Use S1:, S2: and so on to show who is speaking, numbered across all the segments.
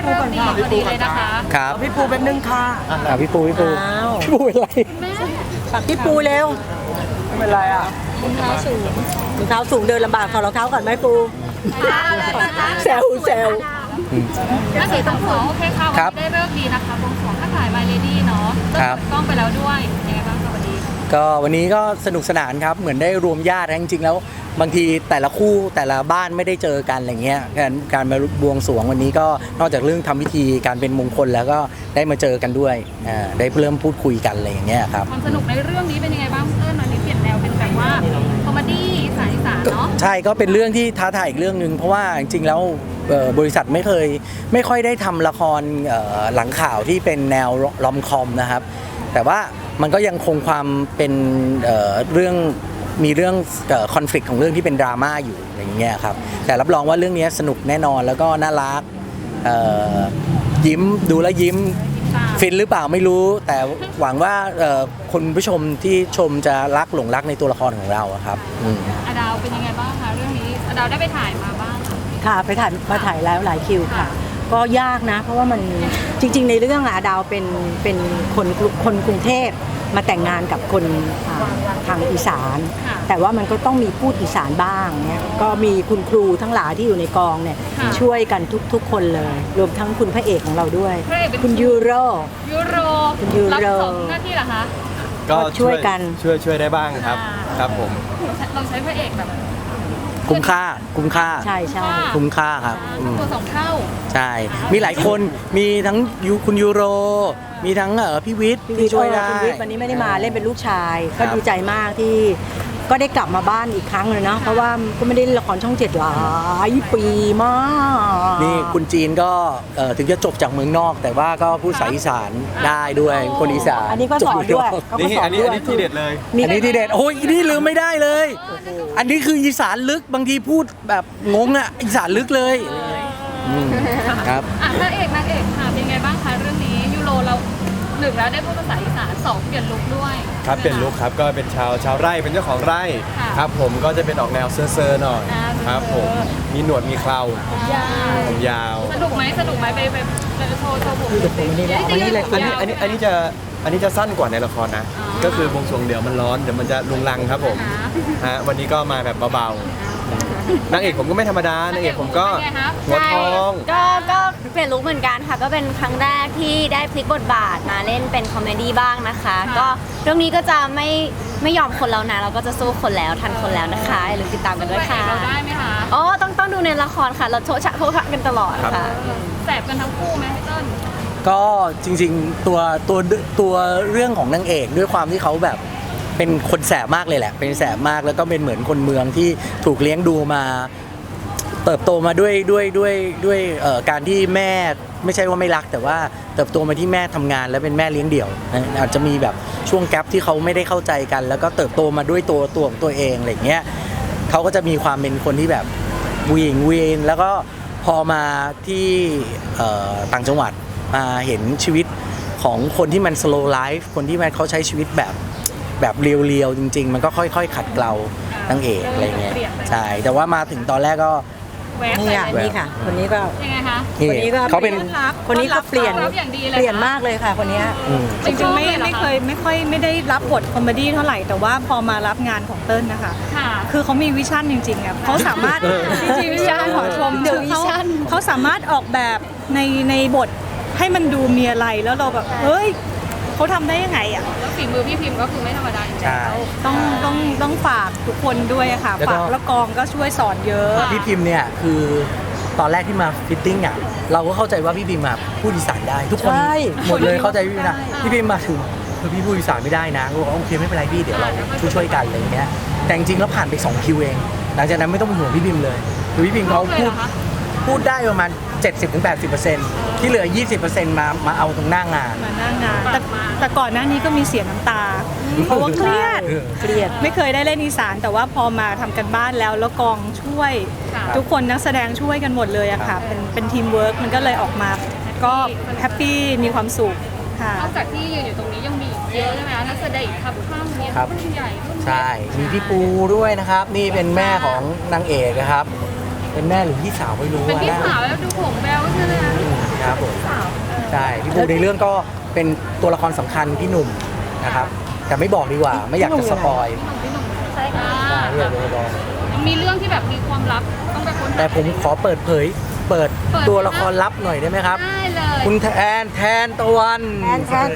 S1: ปูก่อนค่ะ
S2: พอดีเลยนะคะ
S3: ครับ
S1: พี่ปูเป็นนึงค่ะ
S3: พี่ปูพี่ปู
S1: อ้าว
S3: พี่ปูเป็นไร
S1: พี่ปูเร็วไม่เป็นไรอ่ะ
S2: รองเท้าสูง
S1: รองเท้าสูงเดินลำบากถอดรองเท้าก่อนไหมปูแซว
S2: น่าเสียต้องขอโอเคค่ะวันนี้ได้เลิกดีนะคะบวงสรวงข้าถ่าย My Lady เนาะเปิดกล้องไปแล้วด้วยยังไงบ้างคะวันนี้
S3: ก็วันนี้ก็สนุกสนานครับเหมือนได้รวมญาติจริงๆแล้วบางทีแต่ละคู่แต่ละบ้านไม่ได้เจอกันอะไรเงี้ยการมาบวงสรวงวันนี้ก็นอกจากเรื่องทำพิธีการเป็นมงคลแล้วก็ได้มาเจอกันด้วยได้เริ่มพูดคุยกันอะไรอย่างเงี้ยครับ
S2: ความสนุกในเรื่องนี้เป็นยังไงบ้างเติ้ลวันนี้เปลี่ยนแนวเป็นแบบว่าคอมเมดี้สายสารเนาะ
S3: ใช่ก็เป็นเรื่องที่ท้าทายอีกเรื่องหนึ่งเพราะว่าจริงๆแล้วบริษัทไม่ค่อยได้ทำละครหลังข่าวที่เป็นแนวรอมคอมนะครับแต่ว่ามันก็ยังคงความเป็นเรื่องมีเรื่องคอนฟ lict ของเรื่องที่เป็นดราม่าอยู่อะไรอย่างเงี้ยครับแต่รับรองว่าเรื่องนี้สนุกแน่นอนแล้วก็น่ารักยิ้มดูแล้วยิ้มฟินหรือเปล่าไม่รู้แต่หวังว่าคุณผู้ชมที่ชมจะหลงรักในตัวละครของเราครับ
S2: อดาวเป็นยังไงบ้างคะเรื่องนี้อดาวได้ไปถ่ายมาบ้าง
S1: ค่ะไปถ่ายแล้วหลายคิวค่ะ ก็ยากนะ เพราะว่ามันจริงๆในเรื่องอะดาวเป็นคนกรุงเทพมาแต่งงานกับคนทางอีสานแต่ว่ามันก็ต้องมีพูดอีสานบ้างเนี่ยก็มีคุณครูทั้งหลายที่อยู่ในกองเนี่ยช่วยกันทุกคนเลยรวมทั้งคุณพระเอกของเราด้วยคุณยูโร
S2: รับสองหน้าที่เหรอคะ
S1: ก็ช่วยกัน
S4: ช่วยได้บ้างครับครับผม
S2: เราใช้พระเอกแบบ
S3: คุ้มค่า
S1: ใช่
S3: คุ้มค่าครับ
S2: ตัว2 เท่า
S3: ใช่มีหลายคนมีทั้งคุณยูโรมีทั้งพี่วิทย์ที่ช่วยได้
S1: คุณวิทย์วันนี้ไม่ได้มาเล่นเป็นลูกชายก็ดีใจมากที่ก็ได้กลับมาบ้านอีกครั้งเลยนะเพราะว่าก็ไม่ได้เล่นละครช่อง7หลายปีมาก
S3: นี่คุณจีนก็ถึงจะจบจากเมืองนอกแต่ว่าก็พูดภาษาอีสานได้ด้วยคนอีสาน
S1: อันนี้ก็สอนด้วย
S4: นี่อันนี้ที่เด็ดเลย
S3: อันนี้ที่เด็ดโอ้ยนี่ลืมไม่ได้เลยอันนี้คืออีสานลึกบางทีพูดแบบงงอ่ะอีสานลึกเลยครับ
S2: พระเอกนางเอกค่ะเป็นไงบ้างคะเรื่องนี้ยูโรเรา1แล้วได้พูดภาษาอีสาน2เปลี่ยนลุคด้วย
S4: ครับเปลี่ยนลุคครับก็เป็นชาวไร่เป็นเจ้าของไร่ครับผมก็จะเป็นออกแนวเซอร์หน่อยครับผมมีหนวดมีเคราผมยาว
S2: สนุกไหมไปโชว์ผม
S4: อันนี้จะสั้นกว่าในละครนะก็คือบวงสรวงเดี๋ยวมันร้อนเดี๋ยวมันจะลุงลังครับผมวันนี้ก็มาแบบเบาๆนางเอกผมก็ไม่ธรรมดานางเอกผมก็หัวทอง
S5: ก็เปลี่ยนลุคเหมือนกันค่ะก็เป็นครั้งแรกที่ได้พลิกบทบาทมาเล่นเป็นคอมเมดี้บ้างนะคะก็เรื่องนี้ก็จะไม่ยอมคนแล้วนะเราก็จะสู้คนแล้วทันคนแล้วนะคะอย่าลืมติดตามกันด้วยค่ะ
S2: เราได้ไหมคะ
S5: อ๋อต้องดูในละครค่ะเราโชว์ชะกันตลอดค่ะ
S2: แสบกันทั้งคู่ไหมพี่ต้น
S3: ก็จริงๆตัวเรื่องของนางเอกด้วยความที่เขาแบบเป็นคนแสบมากเลยแหละเป็นแสบมากแล้วก็เป็นเหมือนคนเมืองที่ถูกเลี้ยงดูมาเติบโตมาด้วยการที่แม่ไม่ใช่ว่าไม่รักแต่ว่าเติบโตมาที่แม่ทำงานแล้วเป็นแม่เลี้ยงเดี่ยวอาจจะมีแบบช่วงแกลบที่เขาไม่ได้เข้าใจกันแล้วก็เติบโตมาด้วยตัวของตัวเองอะไรเงี้ยเขาก็จะมีความเป็นคนที่แบบวีนแล้วก็พอมาที่ต่างจังหวัดมาเห็นชีวิตของคนที่มัน slow life คนที่มันเขาใช้ชีวิตแบบเรียวๆจริงๆมันก็ค่อยๆขัดเกลานางเอกอะไรเงี้ยใช่แต่ว่ามาถึงตอนแรกก็
S1: นี่ค่ะคนนี้ก็
S2: ยังไงคะ
S1: คนนี้ก็
S3: เขาเป็น
S1: คนนี้ก็เปลี่ยนมากเลยค่ะคนนี้
S6: จริงๆไม่ค่อยไม่ได้รับบทคอมเมดี้เท่าไหร่แต่ว่าพอมารับงานของเติ้ลนะคะคือเขามีวิชั่นจริงๆอ่ะเขาสามารถจริงๆวิชั่นขอชมเขาสามารถออกแบบในบทให้มันดูมีอะไรแล้วเราแบบเฮ้ยเขาทำได้ยังไงอ่ะ
S2: แล้วฝีมือพี่พิมพ์ก็คือไม่ธรรมดาจริง
S6: ๆต้องฝากทุกคนด้วยค่ะฝากแล้วกองก็ช่วยสอนเยอะ
S3: พี่พิมพ์เนี่ยคือตอนแรกที่มาฟิตติ้งอ่ะเราก็เข้าใจว่าพี่พิมพ์พูดอีสานได้ทุกคนหมดเลยเข้าใจพี่พิมพ์นะพี่พิมพ์มาถึงคือพี่พูดอีสานไม่ได้นะก็บอกโอเคไม่เป็นไรพี่เดี๋ยวเราช่วยกันอะไรอย่างเงี้ยแต่จริงๆแล้วผ่านไป2คิวเองหลังจากนั้นไม่ต้องเป็นห่วงพี่พิมพ์เลยคือพี่พิมพ์เขาพูดได้ประมาณ 70-80% ที่เหลือ 20% มาเอาตรงหน้างาน
S6: แต่ก่อนหน้านี้ก็มีเสียน้ำตาเพราะว่าเครียดไม่เคยได้เล่นอีสานแต่ว่าพอมาทำกันบ้านแล้วกองช่วยทุกคนนักแสดงช่วยกันหมดเลยอะค่ะเป็นทีมเวิร์กมันก็เลยออกมาก็แฮปปี้มีความสุขค่ะ
S2: นอกจากที่ยืนอยู่ตรงนี้ยังมีเยอะใช่ไหมนักแสดงอีกครับข้างนี้รุ่นใหญ่รุ่น
S3: ใช่มีพี่ปูด้วยนะครับนี่เป็นแม่ของนางเอกนะครับเป็นแม่หรือพี่สาวไม่รู้
S2: เป็นพี่สาวแล้วดูผมแบลใช่ไหม
S3: ครับผใช่พี่ภูในเรื่องก็เป็นตัวละครสำคัญพี่หนุ่มนะครับแต่ไม่บอกดีกว่าไม่อยากจะสปอย
S5: ใช่ค่ะ
S3: ไม่อยากจะสปอย
S2: ยังมีเรื่องที่แบบมีความลับต้องไปค้นหา
S3: แต่ผมขอเปิดเผยเปิดตัวละครลับหน่อยได้ไหมครับ
S2: ได้เลย
S3: คุณแทนตะวัน
S1: แทน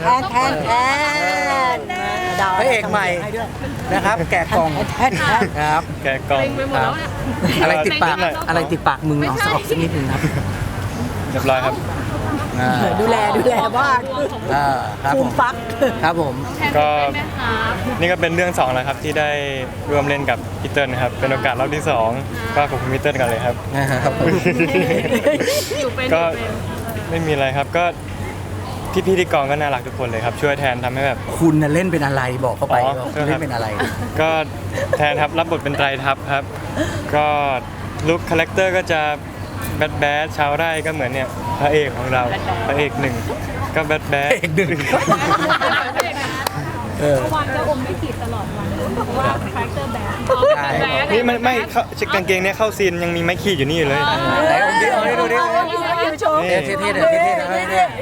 S1: ดาว
S3: พระเอกใหม่นะครับ แกะกล่อง
S1: แทน
S3: ครับ
S4: แกะกล่อง
S2: เต็งไปหมดแล้วเนี่ย
S3: อะไรติดปากอะไรติดปากมึงเอาสักนิดนึงครับ
S4: เรียบร้อยครับ
S3: อ่า
S1: ดูแลบ้าน
S3: ครับ
S1: ฟู
S3: ผม ม
S1: ฟัก
S3: ครับผม
S2: แทน
S7: ก็
S2: เป็นไหมคะ
S7: นี่ก็เป็นเรื่อง2แล้วครับที่ได้ร่วมเล่นกับพี่เติ้ลนะครับเป็นโอกาสรอบที่ 2 ก็ขอบคุณพี่เติ้ลกันเลยครับ
S3: ครับผม
S2: อยู่เป็น
S7: ก็ไม่มีอะไรครับก็พี่ๆที่กองก็น่ารักทุกคนเลยครับช่วยแทนทำให้แบบ
S3: คุณน่ะเล่นเป็นอะไรบอกเข้าไป
S7: อ๋อ
S3: ว่าคุณเล่นเป็นอะไร
S7: ก็แทนครับรับบทเป็นไตรทัพครับ ก็ลุคคาแรคเตอร์ก็จะแบดแบดชาวไร่ก็เหมือนเนี่ยพระเอกของเราพระเอกหนึ่งก็แบดแบด
S3: เอกหนึ่งเออ
S6: วันจะอมไม่ขีดตลอดวันเพราะว่าคาแรคเตอร์แบบ
S3: ใช่
S7: นี่มันไม่เข้ากางเกงเนี่ยเข้าซีนยังมีไม้ขีดอยู่นี่อยู่เลย
S3: ไหนผมดิเอาให้ดูดิ
S7: นี่
S3: เท่ๆเท่ๆเท่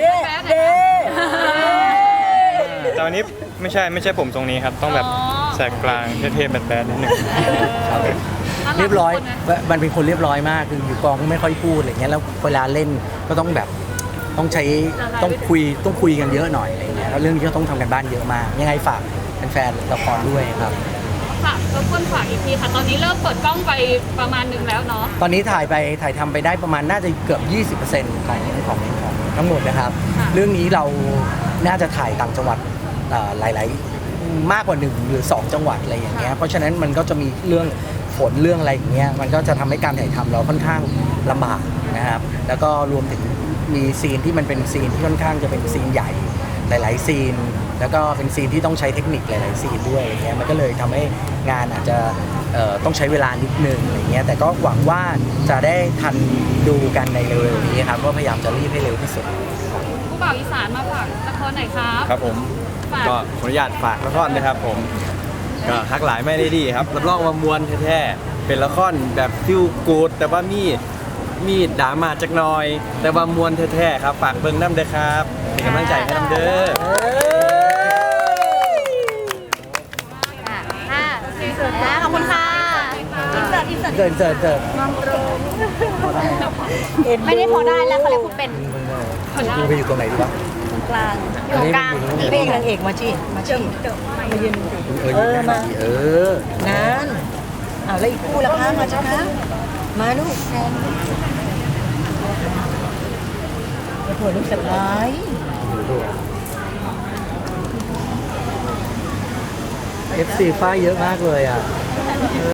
S3: ๆ
S7: แต่วันนี้ไม่ใช่ผมตรงนี้ครับ ต้องแบบแสกกลางเท่ๆแบดๆนิดหนึ่ง
S3: เรียบร้อยมันเป็นคนเรียบร้อยมากคืออยู่กองก็ไม่ค่อยพูดอะไรเงี้ยแล้วเวลาเล่นก็ต้องแบบต้องใช้ต้องคุยกันเยอะหน่อยอะไรเงี้ยแล้วเรื่องนี้ก็ต้องทำกันบ้านเยอะมากยังไงฝากแฟนๆละครด้วยครับ
S2: ค่ะรบกวนฝากอีกทีค่ะ ตอนนี้เริ่มเปิดกล้องไปประมาณหนึ่งแล้วเนาะ
S3: ตอนนี้ถ่ายทำไปได้ประมาณน่าจะเกือบ 20%ของทั้งหมดนะครับ
S2: ค่ะ
S3: เรื่องนี้เราน่าจะถ่ายต่างจังหวัดหลายๆมากกว่า1หรือ2จังหวัดอะไรอย่างเงี้ยเพราะฉะนั้นมันก็จะมีเรื่องฝนเรื่องอะไรอย่างเงี้ยมันก็จะทำให้การถ่ายทำเราค่อนข้างลำบากนะครับแล้วก็รวมถึงมีซีนที่มันเป็นซีนที่ค่อนข้างจะเป็นซีนใหญ่หลายๆซีน แล้วก็เป็นซีนที่ต้องใช้เทคนิคหลายๆซีนด้วยอะไรเงี้ยมันก็เลยทำให้งานอาจจะต้องใช้เวลานิดนึงอะไรเงี้ยแต่ก็หวังว่าจะได้ทันดูกันในเร็วๆนี้ครับก็พยายามจะรีบให้เร็วที่สุด
S2: ผู้บ่าวอีสานมาฝากละครไหนอยครับ
S4: ครับผม
S2: ฝาก
S4: ก็ขออนุญาตฝากละครนะครับผมก็ฮักหลายไม่ได้ดีครับรับรองว่ามวลแท้ๆเป็นละครแบบฟิลกูดแต่ว่ามีดราม่าจักหน่อย แต่ว่ามวลแท้ๆครับฝากเบิ่งน้ำเด้อครับเป็นกำลังใจให้น้ำเด้อ
S5: ขอบคุณค่ะ
S3: เกิด
S5: ไม่ได้พอได้แล้วเขาเรียกคุณเป็น
S3: กูไปอยู่ตรงไหนดีวะ
S5: กลางอยู่กลาง
S1: พระเอกนางเอกมาชี้มายืน
S3: มาอ
S1: งั้นแล้วอีกคู่ละคะมาจ้าคะมาลูกแทนมาถั่วลูกสะพ้าย
S3: FC ฝ้ายเยอะมากเลยอ่ะ